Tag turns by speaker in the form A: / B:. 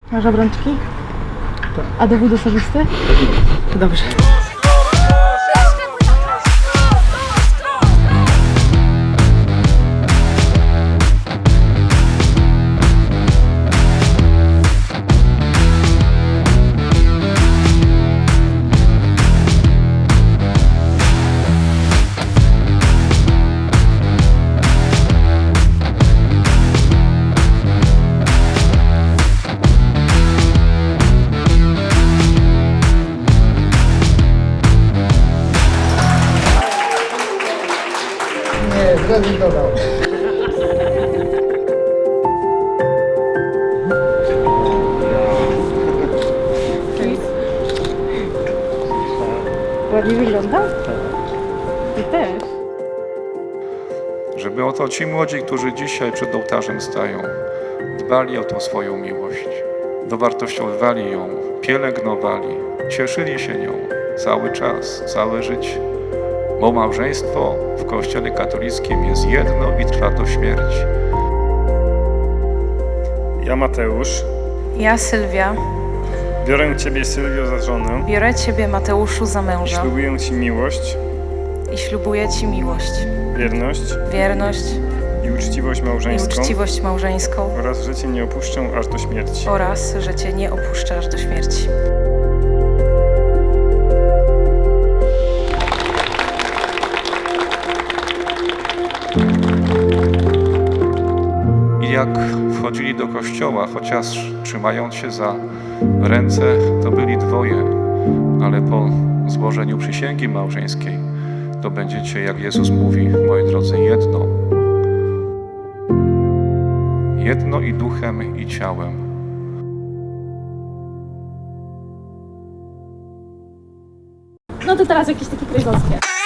A: Masz obrączki?
B: Tak.
A: A dowód osobisty? To dobrze.
B: Nie, zrezygnował.
A: Ładnie wygląda? Ty też.
C: Żeby oto ci młodzi, którzy dzisiaj przed ołtarzem stają, dbali o tą swoją miłość, dowartościowali ją, pielęgnowali, cieszyli się nią cały czas, całe życie. Bo małżeństwo w Kościele katolickim jest jedno i trwa do śmierci.
D: Ja, Mateusz,
E: Ja, Sylwia,
D: biorę Ciebie, Sylwio, za żonę
E: biorę Ciebie, Mateuszu, za
D: i
E: męża
D: ślubuję Ci miłość,
E: i ślubuję Ci miłość,
D: wierność
E: wierność
D: i uczciwość
E: i
D: małżeńską
E: uczciwość małżeńską
D: oraz, że Cię nie opuszczę aż do śmierci.
E: oraz, że Cię nie opuszczę aż do śmierci.
C: I jak wchodzili do kościoła, chociaż trzymając się za ręce, to byli dwoje, ale po złożeniu przysięgi małżeńskiej, to będziecie, jak Jezus mówi, moi drodzy, jedno. Jedno i duchem, i ciałem.
A: No to teraz jakieś takie kryzowskie.